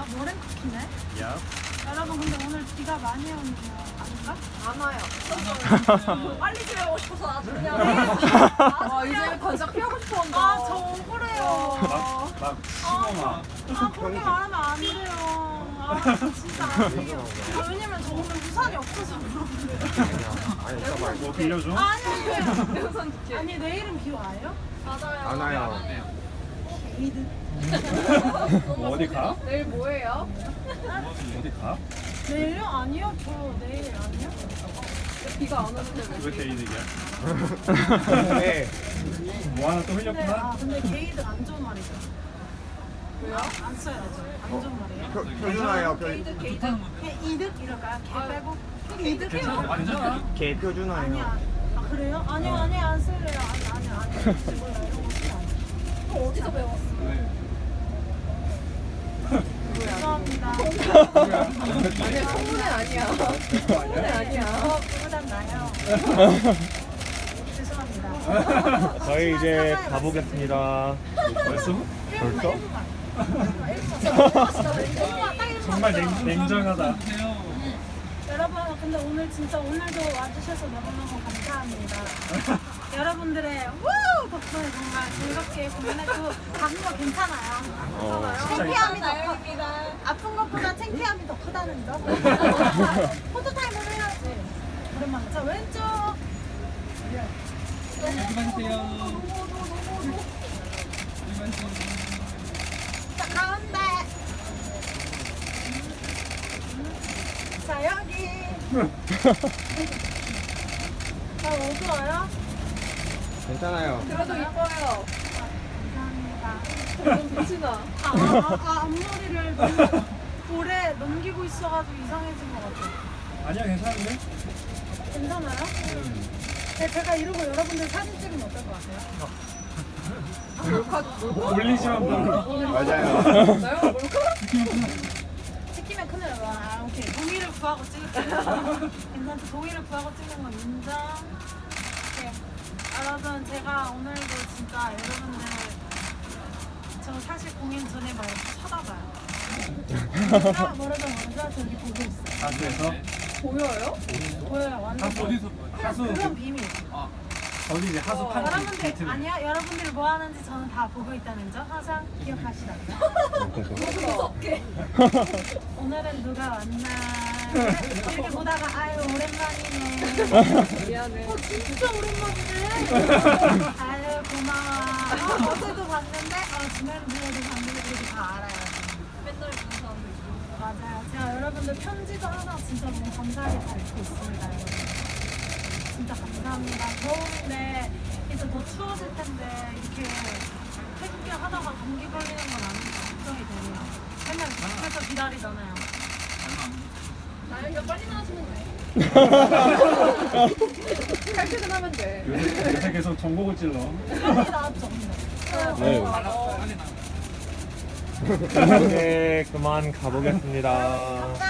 노랭 쿠키네? 야. 여러분 근데 오늘 비가 많이 오네요. 아닌가? 안 와요. 빨리 집에 오고 싶어서 아주 그냥. 이제 반짝 피하고 싶었는데. 저 억울해요. 막 심어마. 그렇게 말하면 안 돼요. 진짜 안 돼요. 왜냐면 저 오늘 우산이 없어서 그런데. 뭐 빌려줘? 아니 내일은 비 와요? 맞아요. 안 와요. 게이드. 뭐 어디 가? 내일 뭐예요? 어디 가? 내일요? 아니요. 저 내일 아니요. 비가 안 오는데 왜? 왜 게이득이야? 네. 뭐 하나 또 근데 흘렸구나? 근데 게이드 안 좋은 말이죠. 왜요? 안 써야죠. 안 좋은 말이에요. 표준화예요. 게이드. 그냥 이득 이럴까요? 개 빼고? 이득 완전 개 표준화예요. 아니야. 아 그래요? 아니요 안 쓸래요. 아니요. 몰라 이런 거 쓰면 안 돼. 어디서 배웠어? 죄송합니다. 아니야, 성문은 아니야. 성문은 아니야. 그보단 나요. 죄송합니다. 저희 이제 가보겠습니다. 벌써? 벌써? 정말 냉정하다. 여러분 근데 오늘 진짜 오늘도 와주셔서 너무너무 감사합니다. 여러분들의 덕분에 정말 즐겁게 공연했고 작은 거 괜찮아요. 창피함이 더 큽니다. 아픈 것보다 창피함이 더 크다는 점. 포토타임을 해야지. 오랜만에. 자 왼쪽. 자 가운데. 자 여기. 자 어두워요? 괜찮아요. 그래도 이뻐요. 감사합니다. 너무 빛이 나. 앞머리를 너무 오래 넘기고 있어가지고 이상해진 것 같아요. 아니야, 괜찮은데? 괜찮아요? 제가 이러고 여러분들 사진 찍으면 어떨 것 같아요? 올리지만 뭐. 맞아요. 나요? 몰카? 찍히면 큰일 나요. 오케이. 동의를 구하고 찍을게요. 괜찮죠? 동의를 구하고 찍는 건 인정. 오케이. 여러분, 제가 오늘도 진짜 여러분들 저 사실 공연 전에 막 이렇게 쳐다봐요. 뭐라도 저기 보고 있어요. 가수에서? 보여요? 보여요. 완전 어디서? 가수. 그건 비밀. 거기 이제 하수 판티. 여러분들 아니야? 여러분들이 뭐 하는지 저는 다 보고 있다는 점 항상 기억하시라고요. 무섭게. 오늘은 누가 왔나 이렇게 보다가 아유 오랜만이네. 미안해. 진짜 오랜만이네. 아유 고마워. 어제도 봤는데 지난주에도 봤는데 이렇게 다 알아요. 맨날 보는 사람들 있어. 맞아요. 제가 여러분들 편지도 하나 진짜 너무 감사하게 잘 읽고 있습니다. 여러분. 진짜 감사합니다. 더운데 이제 더 추워질 텐데 이렇게 태극기 하다가 감기 걸리는 건 아닌지 걱정이 되네요. 맨날 밖에서 기다리잖아요. 나연이가 빨리 나와주면 돼. 칼퇴근하면 돼. 요새 계속 전곡을 찔러. 빨리 나왔죠. 네. 이제 그만 가보겠습니다.